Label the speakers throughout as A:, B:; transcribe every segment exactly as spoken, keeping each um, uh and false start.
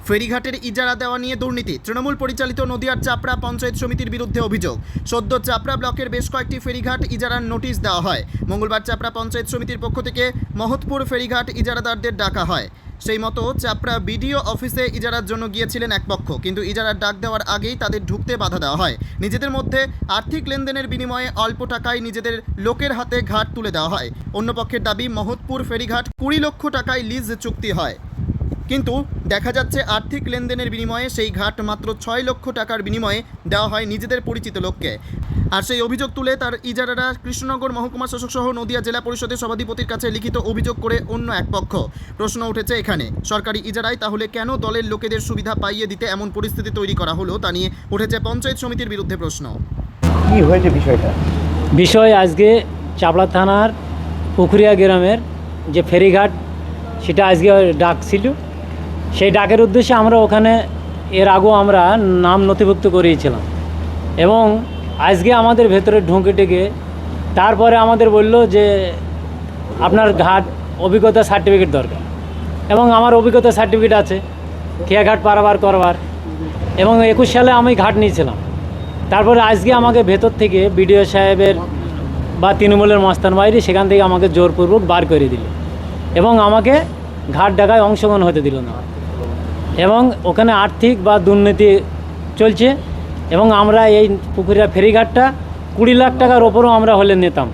A: ফেরিঘাটের ইজারা দেওয়া নিয়ে দুর্নীতি। তৃণমূল পরিচালিত নদিয়ার চাপড়া পঞ্চায়েত সমিতির বিরুদ্ধে অভিযোগ। সদ্য চাপড়া ব্লকের বেশ কয়েকটি ফেরিঘাট ইজারার নোটিশ দেওয়া হয়। মঙ্গলবার চাপড়া পঞ্চায়েত সমিতির পক্ষ থেকে মহৎপুর ফেরিঘাট ইজারাদারদের ডাকা হয়। সেই মতো চাপড়া বিডিও অফিসে ইজারার জন্য গিয়েছিলেন এক পক্ষ, কিন্তু ইজারার ডাক দেওয়ার আগেই তাদের ঢুকতে বাধা দেওয়া হয়। নিজেদের মধ্যে আর্থিক লেনদেনের বিনিময়ে অল্প টাকায় নিজেদের লোকের হাতে ঘাট তুলে দেওয়া হয়। অন্য পক্ষের দাবি, মহৎপুর ফেরিঘাট কুড়ি লক্ষ টাকায় লিজ চুক্তি হয়, কিন্তু দেখা যাচ্ছে আর্থিক লেনদেনের বিনিময়ে সেই ঘাট মাত্র ছয় লক্ষ টাকার বিনিময়ে দেওয়া হয় নিজেদের পরিচিত লোককে। আর সেই অভিযোগ তুলে তার ইজারারা কৃষ্ণনগর মহকুমা শাসক সহ নদিয়া জেলা পরিষদের সভাধিপতির কাছে লিখিত অভিযোগ করে অন্য এক পক্ষ। প্রশ্ন উঠেছে এখানে, সরকারি ইজারায় তাহলে কেন দলের লোকেদের সুবিধা পাইয়ে দিতে এমন পরিস্থিতি তৈরি করা হলো, তা নিয়ে উঠেছে পঞ্চায়েত সমিতির বিরুদ্ধে প্রশ্ন।
B: কি হয়েছে বিষয়টা?
C: বিষয় আজকে চাপড়া থানার পুকুরিয়া গ্রামের যে ফেরিঘাট, সেটা আজকে ডাক ছিল। সেই ডাকের উদ্দেশ্যে আমরা ওখানে এর আগেও আমরা নাম নথিভুক্ত করিয়েছিলাম, এবং আজকে আমাদের ভেতরে ঢুকে টেকে তারপরে আমাদের বলল যে আপনার ঘাট অভিজ্ঞতা সার্টিফিকেট দরকার, এবং আমার অভিজ্ঞতা সার্টিফিকেট আছে খেয়াঘাট পারাবার করবার, এবং একুশ সালে আমি ঘাট নিয়েছিলাম। তারপরে আজকে আমাকে ভেতর থেকে বিডিও সাহেবের বা তৃণমূলের মাস্তান বাইরে সেখান থেকে আমাকে জোরপূর্বক বার করে দিল, এবং আমাকে ঘাট ডাকায় অংশগ্রহণ হতে দিল না, এবং ওখানে আর্থিক বা দুর্নীতি চলছে। এবং আমরা এই পুকুরিয়া ফেরিঘাটটা কুড়ি লাখ টাকার ওপরও আমরা হলে নিতাম।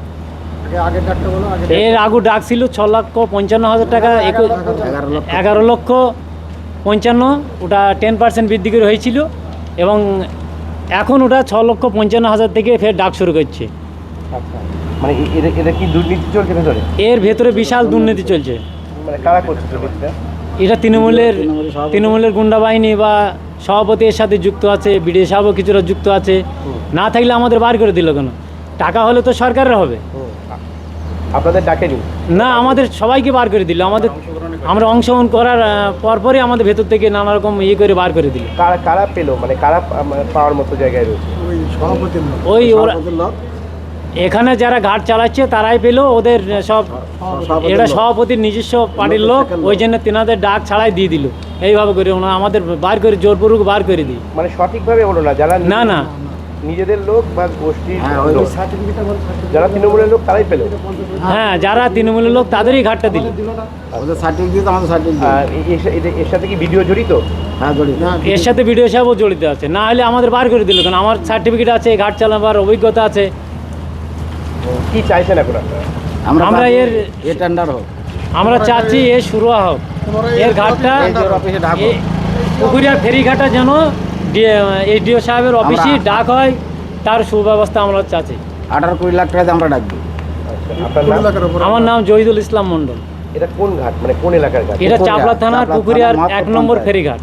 C: এর আগু ডাক ছিল ছ লক্ষ পঞ্চান্ন হাজার টাকা, এগারো লক্ষ পঞ্চান্ন, ওটা টেন পার্সেন্ট বৃদ্ধি করে হয়েছিল, এবং এখন ওটা ছ লক্ষ পঞ্চান্ন হাজার থেকে ফের ডাক শুরু করছে।
B: মানে এটা কি দুর্নীতি চলছে ভেতরে?
C: এর ভেতরে বিশাল দুর্নীতি চলছে।
B: মানে কারা করছে দুর্নীতিটা?
C: এটা তৃণমূলের তৃণমূলের গুন্ডা বাহিনী বা সভাপতি এর সাথে যুক্ত আছে, বিডিও সাহেবও কিছুটা যুক্ত আছে। না থাকলে আমাদের বার করে দিল কেন? টাকা হলে তো সরকারের হবে।
B: আপনাদের ডাকেনি? না,
C: আমাদের সবাইকে বার করে দিল। আমাদের আমরা অংশগ্রহণ করার পরপরই আমাদের ভেতর থেকে নানা রকম ইয়ে করে বার করে দিল।
B: কারা কারা পেলো? মানে কারা পাওয়ার মতো জায়গায় রয়েছে?
C: ওই সভাপতি, ওই ওরা এখানে যারা ঘাট চালাচ্ছে তারাই পেলো। ওদের সব এটা সভাপতির নিজস্ব পার্টির লোক, ওই জন্য তেনাদের ডাক ছাড়াই দিয়ে দিল। এইভাবে করে ওনারা আমাদের বার করে জোরপূর্বক বার করে দিই।
B: মানে সঠিকভাবে হলো না? যারা
C: না না
B: নিজেদের লোক বা গোষ্ঠীর যারা তৃণমূলের লোক তারাই পেল।
C: হ্যাঁ, যারা তৃণমূলের লোক তাদেরই ঘাটটা দিল।
D: আমাদের সার্টিফিকেট আমাদের সার্টিফিকেট
B: এর সাথে কি ভিডিও জড়িত?
D: হ্যাঁ জড়িত।
C: এর সাথে ভিডিও সাহেবও জড়িত আছে, না হলে আমাদের বার করে দিল কেন? আমার সার্টিফিকেট আছে, ঘাট চালাবার অভিজ্ঞতা আছে।
B: কি চাইছেন এখন আপনারা?
C: আমরা এর
D: এ টেন্ডার হোক,
C: আমরা চাচ্ছি এর শুরু হোক, এর ঘাটটা পুকুরিয়া ফেরিঘাটটা যেন এসডিও সাহেবের অফিসে ডাক হয়, তার সুব্যবস্থা আমরা চাচ্ছি।
D: আঠারো কুড়ি লাখ টাকাতে আমরা ডাকবো।
C: আমার নাম জহিদুল ইসলাম মন্ডল।
B: এটা কোন ঘাট, মানে কোন এলাকার ঘাট?
C: এটা চাপড়া থানার পুকুরিয়ার এক নম্বর ফেরিঘাট।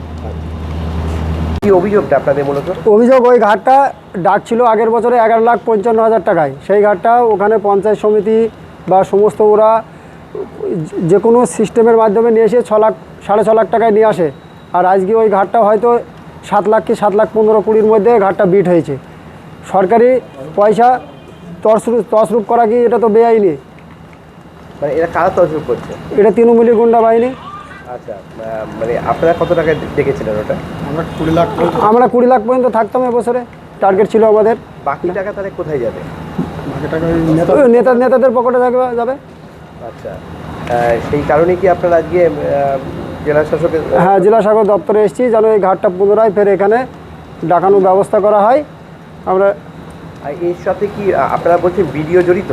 B: কি অভিযোগটা আপনাদের? মূলত
E: অভিযোগ, ওই ঘাটটা ডাক ছিল আগের বছরে এগারো লাখ পঞ্চান্ন হাজার টাকায়। সেই ঘাটটা ওখানে পঞ্চায়েত সমিতি বা সমস্ত ওরা যে কোনো সিস্টেমের মাধ্যমে নিয়ে এসে ছ লাখ সাড়ে ছ লাখ টাকায় নিয়ে আসে। আর আজকে ওই ঘাটটা হয়তো সাত লাখ কি সাত লাখ পনেরো কুড়ির মধ্যে ঘাটটা বিট হয়েছে। সরকারি পয়সা তছরূপ তছরূপ করা কি এটা তো বেআইনি।
B: মানে এটা কারা তছরূপ করছে?
E: এটা তৃণমূলী গুন্ডা বাহিনী।
B: আচ্ছা, মানে আপনারা কত টাকা দেখেছিলেন ওটা?
E: আমরা কুড়ি লাখ আমরা কুড়ি লাখ পর্যন্ত থাকতাম এবছরে, টার্গেট ছিল আমাদের।
B: বাকি টাকা তাহলে কোথায় যাবে?
E: নেতা নেতাদের পকেটে থাকবে যাবে।
B: আচ্ছা, সেই কারণে কি আপনারা আজকে জেলা শাসকের?
E: হ্যাঁ, জেলা শাসক দপ্তরে এসেছি যেন এই ঘাটটা পুনরায় ফের এখানে ডাকানোর ব্যবস্থা করা হয়। আমরা
B: এর সাথে কি আপনারা বলছেন ভিডিও জড়িত?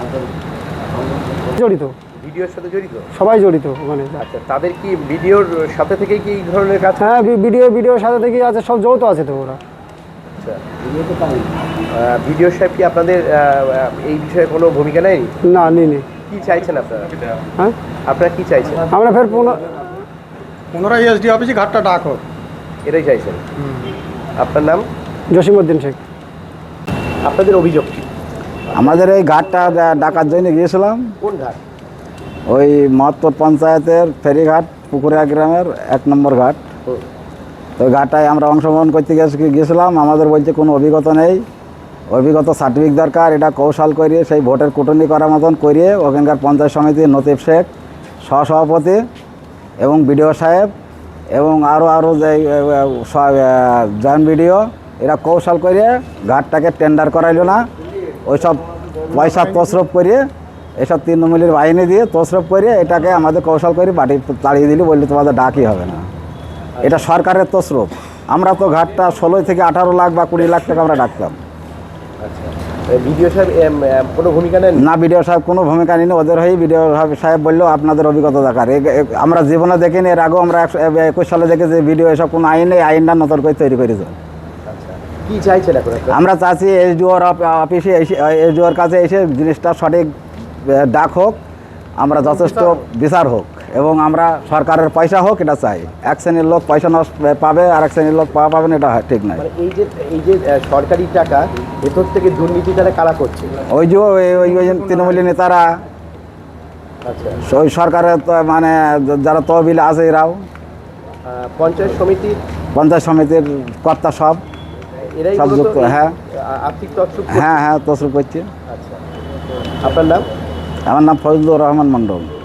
E: জড়িত,
B: ভিডিওর সাথে জড়িত,
E: সবাই জড়িত ওখানে।
B: আচ্ছা, তাদের কি ভিডিওর সাথে থেকে কি এই ধরনের কাজ?
E: হ্যাঁ, ভিডিও ভিডিওর সাথে থেকেই আছে, সব যৌথ আছে তো ওরা।
B: আচ্ছা, ভিডিও সাহেব কি আপনাদের এই বিষয়ে কোনো ভূমিকা নেই?
E: না, নেই।
B: কি চাইছেন আপনারা?
E: হ্যাঁ,
B: আপনারা কি চাইছেন?
E: আমরা ফের
F: পুনরায় এসডি অফিসে ঘাটটা ডাক হোক,
B: এটাই চাইছেন। আপনার নাম?
E: জসিমউদ্দিন শেখ।
B: আপনাদের অভিযোগ কি?
D: আমাদের এই ঘাটটা ডাকার জন্য গিয়েছিলাম।
B: কোন ঘাট?
D: ওই মহৎপুর পঞ্চায়েতের ফেরিঘাট পুকুরিয়া গ্রামের এক নম্বর ঘাট। তো ঘাটটায় আমরা অংশগ্রহণ করতে গিয়েছিলাম। আমাদের বলছে কোনো অভিজ্ঞতা নেই, অভিজ্ঞতা সার্টিফিকেট দরকার। এটা কৌশল করিয়ে সেই ভোটের কুটনি করার মতন করিয়ে ওখানকার পঞ্চায়েত সমিতির নতিব শেখ, সহসভাপতি এবং বিডিও সাহেব এবং আরও আরও যে জয়েন্ট ভিডিও এরা কৌশল করে ঘাটটাকে টেন্ডার করাইলো না, ওইসব পয়সা তসরফ করে এসব তৃণমূলের বাহিনী দিয়ে তসরফ করে এটাকে আমাদের কৌশল করে বাড়ি তাড়িয়ে দিলি, বললে তোমাদের ডাকই হবে না। এটা সরকারের তসরফ। আমরা তো ঘাটটা ষোলো থেকে আঠারো লাখ বা কুড়ি লাখ টাকা আমরা ডাকতাম
B: ভিডিও সাহেব এম, এম, কোনো ভূমিকা নেন
D: না। বিডিও সাহেব কোনো ভূমিকা নিন, ওদের হয়েই বিডিও সাহেব বললো আপনাদের অভিজ্ঞতা দেখার। এ- এ- আমরা জীবনে দেখিনি, এর আগেও আমরা একশো একুশ সালে দেখেছি ভিডিও এসব কোনো আইন নেই, আইনটা নতুন করে তৈরি করেছে।
B: কি চাইছেন এখন আপনারা?
D: আমরা চাচ্ছি এসডিওর অফিসে এসে এসডিওর কাছে এসে জিনিসটা সঠিক আহ, ডাক হোক, আমরা যথেষ্ট বিচার হোক এবং আমরা সরকারের পয়সা হোক এটা চাই। এক শ্রেণীর লোক পয়সা নষ্ট পাবে আর এক শ্রেণীর লোক পাওয়া পাবে না, এটা ঠিক নয়।
B: মানে এই যে এই যে আহ, সরকারি টাকা ভেতর থেকে দুর্নীতি তারা কারা করছে?
D: ওই যে ওই- ওই ওই যে তৃণমূলী নেতারা,
B: আচ্ছা,
D: ওই সরকারের তো মানে যারা তহবিল আছে এরাও,
B: আহ, পঞ্চায়েত সমিতির
D: পঞ্চায়েত সমিতির কর্তা সব
B: এরাই
D: সব
B: মূলত
D: যুক্ত,
B: এই,
D: হ্যাঁ।
B: আহ, আর্থিক তছরূপ করছে।
D: হ্যাঁ হ্যাঁ তসরুপ করছে।
B: আচ্ছা, আপনার নাম?
D: আমার নাম ফজলুর রহমান মণ্ডল।